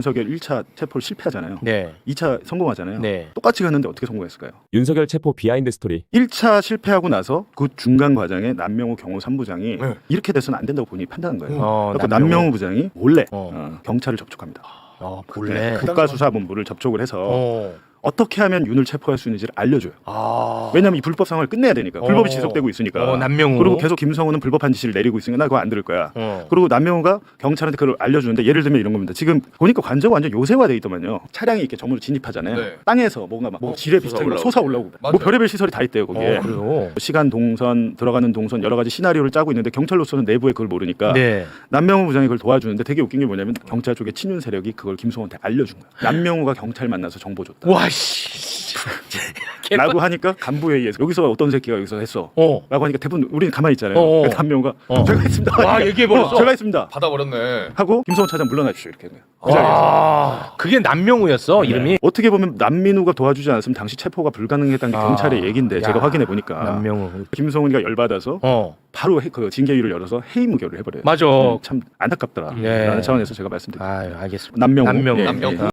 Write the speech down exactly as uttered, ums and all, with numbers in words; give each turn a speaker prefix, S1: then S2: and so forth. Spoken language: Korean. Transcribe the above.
S1: 윤석열 일 차 체포를 실패하잖아요.
S2: 네.
S1: 이 차 성공하잖아요.
S2: 네.
S1: 똑같이 갔는데 어떻게 성공했을까요?
S3: 윤석열 체포 비하인드 스토리.
S1: 일 차 실패하고 나서 그 중간 과정에 남명우 경호 삼 부장이
S4: 네.
S1: 이렇게 돼서는 안 된다고 본인이 판단한 거예요.
S2: 어,
S1: 그래서
S2: 남명우.
S1: 남명우 부장이 몰래
S2: 어.
S1: 어, 경찰을 접촉합니다.
S2: 어, 몰래.
S1: 국가수사본부를 접촉을 해서
S2: 어.
S1: 어떻게 하면 윤을 체포할 수 있는지를 알려줘요.
S2: 아.
S1: 왜냐하면 이 불법 상황을 끝내야 되니까.
S2: 어.
S1: 불법이 지속되고 있으니까.
S2: 어, 남명우.
S1: 그리고 계속 김성호는 불법한 지시를 내리고 있으니까 나 그거 안 들을 거야.
S2: 어.
S1: 그리고 남명우가 경찰한테 그걸 알려주는데 예를 들면 이런 겁니다. 지금 보니까 관저가 완전 요새화돼 있더만요. 차량이 이렇게 점으로 진입하잖아요.
S4: 네.
S1: 땅에서 뭔가 막 뭐 지뢰 비슷한 거 솟아 올라오고
S4: 맞아요.
S1: 뭐 별의별 시설이 다 있대요 거기에.
S2: 어, 그래요.
S1: 시간 동선 들어가는 동선 여러 가지 시나리오를 짜고 있는데 경찰로서는 내부에 그걸 모르니까
S2: 네.
S1: 남명우 부장이 그걸 도와주는데 되게 웃긴 게 뭐냐면 경찰 쪽의 친윤 세력이 그걸 김성호한테 알려준 거야. 남명우가 경찰 만나서 정보 줬다.
S2: 와 씨.
S1: 라고 하니까 간부회의에서 여기서 어떤 새끼가 여기서 했어.
S2: 어.
S1: 라고 하니까 대부분 우리는 가만히 있잖아요.
S2: 어, 어.
S1: 남명우가
S2: 어.
S1: 제가 했습니다.
S2: 와, 얘기해버렸어?
S1: 어, 제가 했습니다.
S4: 받아버렸네.
S1: 하고 김성호 차장 물러나 주시오 이렇게 했네요. 그 자리에서.
S2: 아, 그게 남명우였어 이름이.
S1: 어떻게 보면 남민우가 도와주지 않았으면 당시 체포가 불가능했다는 게
S2: 아,
S1: 경찰의 얘기인데
S2: 야,
S1: 제가 확인해 보니까
S2: 남명우.
S1: 김성훈이가 열받아서
S2: 어.
S1: 바로 해- 그 징계위를 열어서 해임 무결을 해버려요.
S2: 맞아.
S1: 음, 참 안타깝더라.
S2: 네.
S1: 라는 차원에서 제가 말씀드립니다.
S2: 아, 알겠습니다.
S1: 남명우.
S2: 남명우.
S1: 예, 예.
S4: 남명우.